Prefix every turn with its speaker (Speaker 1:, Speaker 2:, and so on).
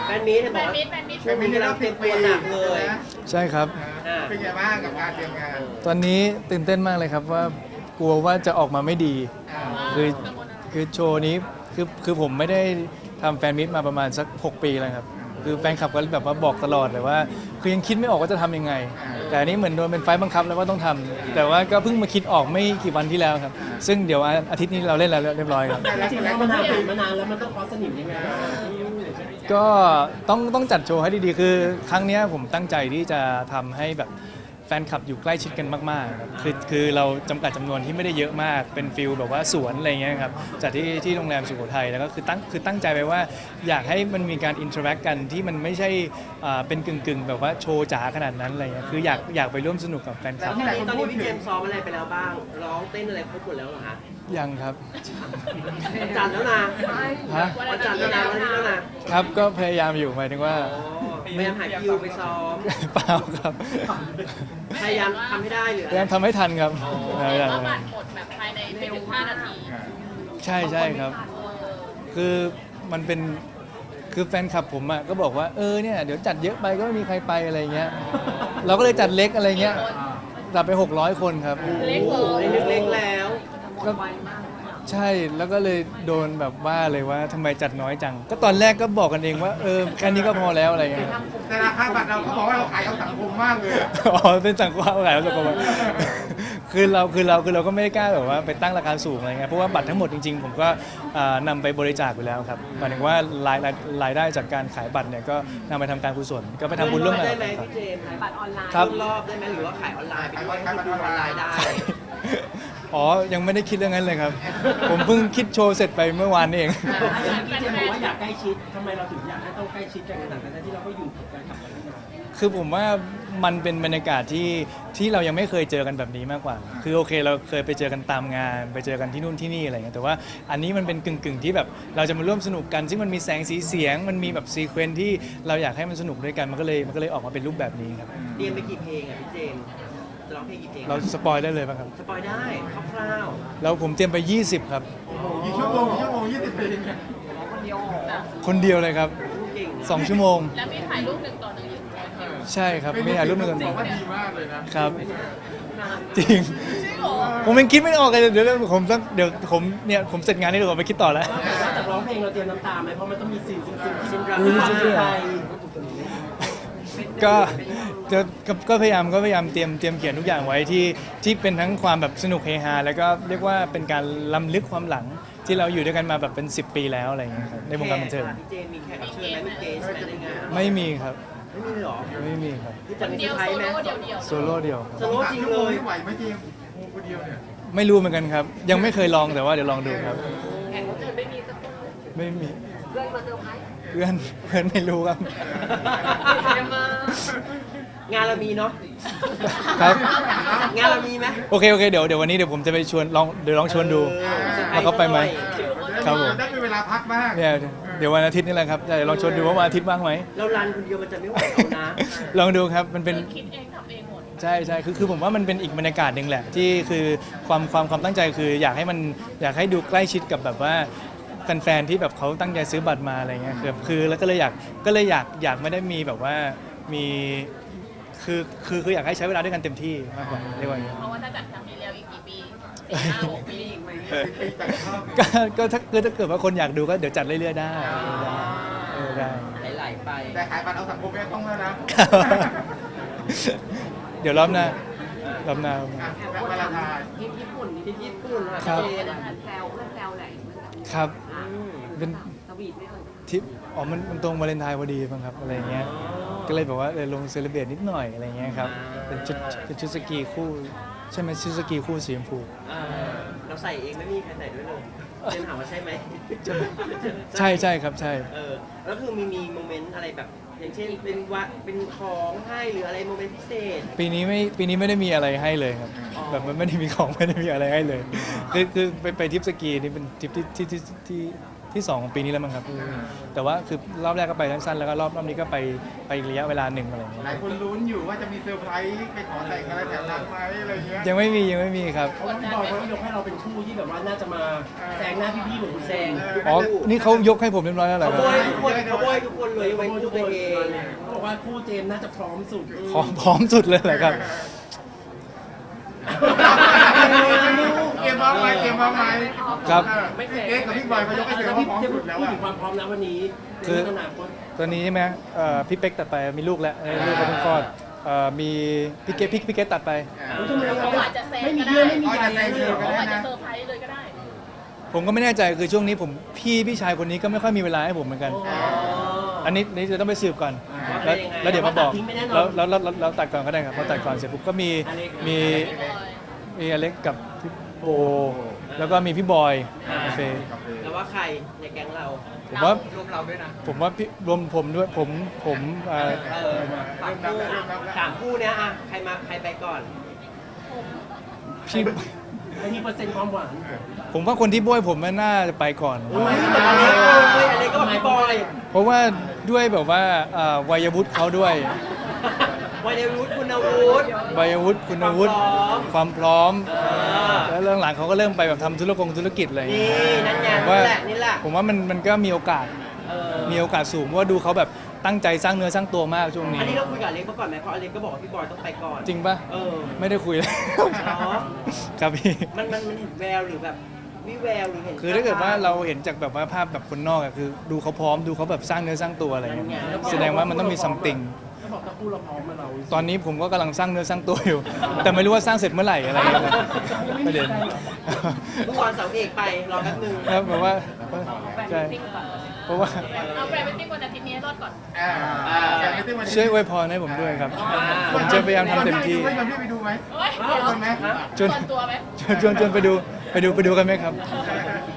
Speaker 1: แฟนมีตบอกว่าช่วงนี้เราเตรียมตัวหนักเลย
Speaker 2: ใช่ครับ
Speaker 3: เป็นไงบ้างกับการเตรียมงาน
Speaker 2: ตอนนี้ตื่นเต้นมากเลยครับว่ากลัวว่าจะออกมาไม่ดีคือคือโชว์นี้คือผมไม่ได้ทำแฟนมิตมาประมาณสัก6 ปีแล้วครับคือแฟนคลับก็แบบว่าบอกตลอดเลยว่าคือยังคิดไม่ออกว่าจะทำยังไงแต่อันนี้เหมือนโดนเป็นไฟล์บังคับแล้วว่าต้องทำแต่ว่าก็เพิ่งมาคิดออกไม่กี่วันที่แล้วครับซึ่งเดี๋ยวอาทิตย์นี้เราเล่นแล้วเรียบร้อยครับ
Speaker 1: จริงๆแล้วมันมานานแล้วมันต้องคอสนิมยังไง
Speaker 2: ก็ต้องจัดโชว์ให้ดีๆคือครั้งนี้ผมตั้งใจที่จะทำให้แบบแฟนคลับอยู่ใกล้ชิดกันมากๆครับคือเราจำกัดจำนวนที่ไม่ได้เยอะมากเป็นฟิลแบบว่าสวนอะไรเงี้ยครับจัดที่โรงแรมสุโขทัยแล้วก็คือตั้งใจไปว่าอยากให้มันมีการอินเทอร์แอคกันที่มันไม่ใช่เป็นกึ่งแบบว่าโชว์จ๋าขนาดนั้นอะไรเงี้ยคืออยากไปร่วมสนุกกับแฟนคลับ
Speaker 1: ตอนนี้พี่เจมส์ซ้อมอะไรไปแล้วบ้างร้องเต้นอะไรครบหมดแล้วเหรอฮะ
Speaker 2: ยังครับ
Speaker 1: วันจันทร์แล้วนะวันจันทร์แล้วนะวันนี้แล้วนะครับ
Speaker 2: ก็พยายามอยู่หมายถึงว่า
Speaker 1: พยายามหาคิวไปซ้อม
Speaker 2: เปล่าครับ
Speaker 1: พยายามทำให้ได้หรือ
Speaker 2: พยายามทำให้ทันครับ
Speaker 4: เพราะว่าบัตรหมดแบบภายในไม่ถึง5 นาที
Speaker 2: ใช่ครับคือมันเป็นคือแฟนคลับผมอ่ะก็บอกว่าเนี่ยเดี๋ยวจัดเยอะไปก็ไม่มีใครไปอะไรเงี้ยเราก็เลยจัดเล็กอะไรเงี้ยจัดไป600 คนครับ
Speaker 4: เล็ก
Speaker 1: เล็กแล้ว
Speaker 2: ก็ใช่แล้วก็เลยโดนแบบว่าเลยว่าทำไมจัดน้อยจังก็ตอนแรกก็บอกกันเองว่าแค่นี้ก็พอแล้วอะไรเงี้ย
Speaker 3: แต่ราคาบัตรเราเขาบอกว่าเราขายเอาสังคมมากเลย
Speaker 2: อ๋อเป็นสังคมขายเอาสังคมคือเราก็ไม่ได้กล้าแบบว่าไปตั้งราคาสูงอะไรเงี้ยเพราะว่าบัตรทั้งหมดจริงๆผมก็นำไปบริจาคอยู่แล้วครับหมายถึงว่ารายได้จากการขายบัตรเนี่ยก็นำไปทำการกุศลก็ไปทำบุญร่วมกัน
Speaker 1: ได้ไหมพี่เจมส์บัตรออนไลน์รอบได้ไหมหรือว่าขายออนไลน์ไปด้วยให้ดูออนไลน์ได้
Speaker 2: อ๋อยังไม่ได้คิดเรื่องนั้นเลยครับผมเพิ่งคิดโชว์เสร็จไปเมื่อวานเอง
Speaker 1: พี่เจมส์บอกว่าอยากใกล้ชิดทำไมเราถึงอยากให้ต้องใกล้ชิดกันขนาดนั้นที่เราก็อยู่กับการทำกันมา
Speaker 2: คือผมว่ามันเป็นบรรยากาศที่เรายังไม่เคยเจอกันแบบนี้มากกว่าคือโอเคเราเคยไปเจอกันตามงานไปเจอกันที่นู่นที่นี่อะไรเงี้ยแต่ว่าอันนี้มันเป็นกึ่งที่แบบเราจะมาร่วมสนุกกันซึ่งมันมีแสงสีเสียงมันมีแบบซีเควนซ์ที่เราอยากให้มันสนุกด้วยกันมันก็เลยออกมาเป็นรูปแบบนี้ครับ
Speaker 1: เรียนไปกี่เพลงอ่ะพี่เจมส์จะร้องเพลงกี่เพลง
Speaker 2: เราสปอยได้เลยป่ะครับ
Speaker 1: สปอยได้คร่าว
Speaker 2: ๆแล้วผมเตรียมไป20ครับ
Speaker 3: กี่ชั่วโมง20 เพลง
Speaker 2: คนเดียวเลยครับ2 ชั่วโมง
Speaker 4: แล้วมีถ่ายรูป1 ต่อ 1อยู่
Speaker 2: ใช่ครับไม่ถ่ายรูป1 ต่อ 1
Speaker 3: ว่าดีมากเลย
Speaker 2: นะครับจริงผมยังคิดไม่ออกเลยเดี๋ยวผมผมเสร็จงานนี้เดี๋ยวผมไปคิดต่อแล้ว
Speaker 1: จากร้องเพลงเราเตรียมน้ำตาไหมเพราะมันต้องมีซีนซึ้งๆดราม่าไทย
Speaker 2: ก็พยายามเตรียมเขียนทุกอย่างไว้ที่เป็นทั้งความแบบสนุกเฮฮาแล้วก็เรียกว่าเป็นการล้ำลึกความหลังที่เราอยู่ด้วยกันมาแบบเป็น10 ปีแล้วอะไรอย่างเงี้ยครับในวงการบันเทิง
Speaker 1: พี่เจมมีแขกรับเชิญไหมมีเกสในงาน
Speaker 2: ไม่มีครับ
Speaker 1: ไม่มีหรอ
Speaker 2: ไม่มีครับ
Speaker 4: คนเดียว
Speaker 2: โซโล่เดียว
Speaker 1: โซโล่จริงเลย
Speaker 3: ไหวไหมเจมคนเดียวเนี่ย
Speaker 2: ไม่รู้เหมือนกันครับยังไม่เคยลองแต่ว่าเดี๋ยวลองดูครับ
Speaker 4: แขกรับเชิญไม่มีสักคน
Speaker 2: ไม่มี
Speaker 4: เพื่อนมาเซอร์ไพรส์
Speaker 2: เพื่อนไม่รู้ครับ
Speaker 1: งานเรามีเนาะ
Speaker 2: ครับ
Speaker 1: งานเรามีไหม
Speaker 2: โอเคเดี๋ยววันนี้เดี๋ยวผมจะไปชวนลองชวนดูว่าเขาไปไหมครับผม
Speaker 3: ได้มีเวลาพักบ้าง
Speaker 2: เนี่ยเดี๋ยววันอาทิตย์นี่แหละครับเดี๋ยวลองชวนดูว่าวันอาทิตย์ว่างไหม
Speaker 1: เรารันคนเดียวมันจะไม่ไหวเอานะ
Speaker 2: ลองดูครับมันเป็น
Speaker 4: คิดเองทำเองหมด
Speaker 2: ใช่คือผมว่ามันเป็นอีกบรรยากาศหนึ่งแหละที่คือความตั้งใจคืออยากให้ดูใกล้ชิดกับแบบว่าแฟนๆที่แบบเขาตั้งใจซื้อบัตรมาอะไรเงี้ยคือแล้วก็เลยอยากไม่ได้มีแบบว่ามีคืออยากให้ใช้เวลาด้วยกันเต็มที่มากกว่าเรียกว่าอย่างนี้
Speaker 4: เพราะว่าถ้าจัดครั้งนี้แล้วอีกกี่ปี5-6 ปีอีกไหม
Speaker 2: ก็ถ้าเกิดว่าคนอยากดูก็เดี๋ยวจัดเรื่อยๆได้ได้
Speaker 1: ไหลไป
Speaker 3: แต่ขายบัตรเอาสังคมไม่ต้องแล้วนะ
Speaker 2: เดี๋ยวรอบหน้า
Speaker 3: เวลาทาย
Speaker 1: ญี่ปุ่น
Speaker 2: ครับ
Speaker 4: แซวไหน
Speaker 2: ครับเป็น
Speaker 4: สวีทไม่
Speaker 2: ทิปมันตรงวาเลนไทน์พอดีมั้งครับอะไรเงี้ยก็เลยแบบว่าลงเซเลบเรตนิดหน่อยอะไรเงี้ยครับเป็นชุดสกีคู่ใช่ไหมชุดสกีคู่สีชมพู
Speaker 1: เราใส่เองไม่มีใครใส่ด้วยเลยเจมถามว่าใช่ไหม
Speaker 2: ใช่ครับใช่
Speaker 1: แล้วคือมีโมเมนต์อะไรแบบอย่างเช่นเป็นของให้หรืออะไรโมเมนต์พิเศษ
Speaker 2: ปีนี้ไม่ได้มีอะไรให้เลยครับแบบมันไม่ได้มีของไม่ได้มีอะไรให้เลยคือไปทริปสกีนี่เป็นทริปที่ที่2ของปีนี้แล้วมั้งครับแต่ว่าคือรอบแรกก็ไปสั้นๆแล้วก็รอบนี้ก็ไปอีกระยะเวลาหนึ่งอะไรอย่างเงี้ย
Speaker 3: หลายคนลุ้นอยู่ว่าจะมีเซอร์ไพรส์ไปขอแต่งอะไรแถวนั้นไหมอะไรเงี้ย
Speaker 2: ยังไม่มีครับ
Speaker 5: เพราะว่าพี่บอยเขายกให้เราเป็นคู่ที่แบบว่าน่าจะมาแซงหน้าพี่ๆเหมือนคุณแซง
Speaker 2: อ๋อนี่เขายกให้ผมเรียบร้อยแล้วเหรอ
Speaker 1: เขา
Speaker 2: ครับ
Speaker 1: โบยทุกคนเลยไว้คู่ตัวเอง
Speaker 5: เขาบอกว่าคู่เจมส์น่าจะพร้อมสุด
Speaker 2: พร้อมสุดเลยเหรอครับ
Speaker 3: เกมบ้างไหมเกมบ้างไหม
Speaker 2: ครับ
Speaker 3: ไม่เอ๊ะกับพี่บอยเขายกให้เกมว่าพร้อมสุดแล้ว
Speaker 5: พูด
Speaker 3: อะ
Speaker 5: ถึงความพร้อมนะวันนี้
Speaker 2: คือ
Speaker 5: ในอนาคต
Speaker 2: ตอนนี้ใช่ไหมพี่เป๊กตัดไปมีลูกแล้วลูกเขาเพิ่งคลอดมีพี่เกตตัดไป
Speaker 5: ทำไม
Speaker 4: เขาอาจจะแซง
Speaker 5: ไม่มี
Speaker 4: ก็
Speaker 5: เยื่
Speaker 4: ได้
Speaker 5: อไม่มีใยเลยเหรอ
Speaker 4: เขาอาจจะเซอร์ไพรส์เลยก็ได้
Speaker 2: ผมก็ไม่แน่ใจคือช่วงนี้พี่ชายคนนี้ก็ไม่ค่อยมีเวลาให้ผมเหมือนกัน อันนี้จะต้องไปสืบก่อนแล้วเดี๋ยวมาบอกแล้วตัดก่อนก็ได้ครับพอตัดก่อนเสร็จปุ๊บก็มีอเล็กกับพี่โบแล้วก็มีพี่บอยโอเค
Speaker 1: แล้วว่าใครในแก๊งเรา
Speaker 2: ผมว่า
Speaker 1: รวมเราด้วยนะ
Speaker 2: ผมว่าพี่รวมผมด้วยผม
Speaker 1: สามคู่เนี้ยอะใครไปก่อน
Speaker 2: พี่
Speaker 5: ไม่มีเปอร์เซ็นต์ความหวาน
Speaker 2: ผมว่าคนที่บ้วยผมมันน่าจะไปก่อน
Speaker 1: อะไรก็พี่บอย
Speaker 2: เพราะว่าด้วยแบบว่าวัยวุฒิเขาด้วย
Speaker 1: วัยวุฒิคุณวุฒิ
Speaker 2: วัยวุฒิคุณวุฒิความพร้อม
Speaker 1: เออ
Speaker 2: แล้วเรื่องหลังเขาก็เริ่มไปแบบทำธุรกิจอะไรอย่าง
Speaker 1: นี่
Speaker 2: เงี้ย
Speaker 1: นั่นไง
Speaker 2: ว่า
Speaker 1: นี่แหละ
Speaker 2: ผมว่ามันก็มีโอกาส
Speaker 1: เออ
Speaker 2: มีโอกาสสูงเพราะว่าดูเขาแบบตั้งใจสร้างเนื้อสร้างตัวมากช่วงนี้
Speaker 1: อันนี้เราคุยกับอเล็กมาก่อนไหมเพราะอเล็กก็บอกว่าพี่บอยต้องไปก่อน
Speaker 2: จริงปะ
Speaker 1: เออ
Speaker 2: ไม่ได้คุยเลย
Speaker 1: เหรอ
Speaker 2: ครับพี่
Speaker 1: มันเห็นแววหรือแบบวิแววหรือเห็น
Speaker 2: คือถ้าเกิดว่าเราเห็นจากแบบว่าภาพแบบคนนอกอะคือดูเขาพร้อมดูเขาแบบสร้างเนื้อสร้างตัวอะไรอย่างเงี้ยแสดงว่ามันต้องมีซัมติง
Speaker 5: ถ้าบอกถ้าคู่เราพร้อมมาเรา
Speaker 2: ตอนนี้ผมก็กำลังสร้างเนื้อสร้างตัวอยู่ แต่ไม่รู้ว่าสร้างเสร็จเมื่อไหร่อะไรอย่างเงี้ยประเด็น
Speaker 1: เมื่อวานเสาเอกไปรอแป๊บนึง
Speaker 2: ครับแบบว่าใช่
Speaker 4: ติ๊กก่อน
Speaker 2: เพราะว่า
Speaker 4: เอาแฟนไปติ๊กวันอาทิตย์นี้ให้รอดก่อน
Speaker 2: ช่วยอวยพรให้ผมด้วยครับ ผมจะพยายามทำเต็มที่
Speaker 3: ชวนพี่ไปดูไหม
Speaker 4: โอ้ย
Speaker 3: ชวนไหม
Speaker 2: ชวน
Speaker 4: ส่วนตัวไหม
Speaker 2: ชวนไปดูกันไหมครับ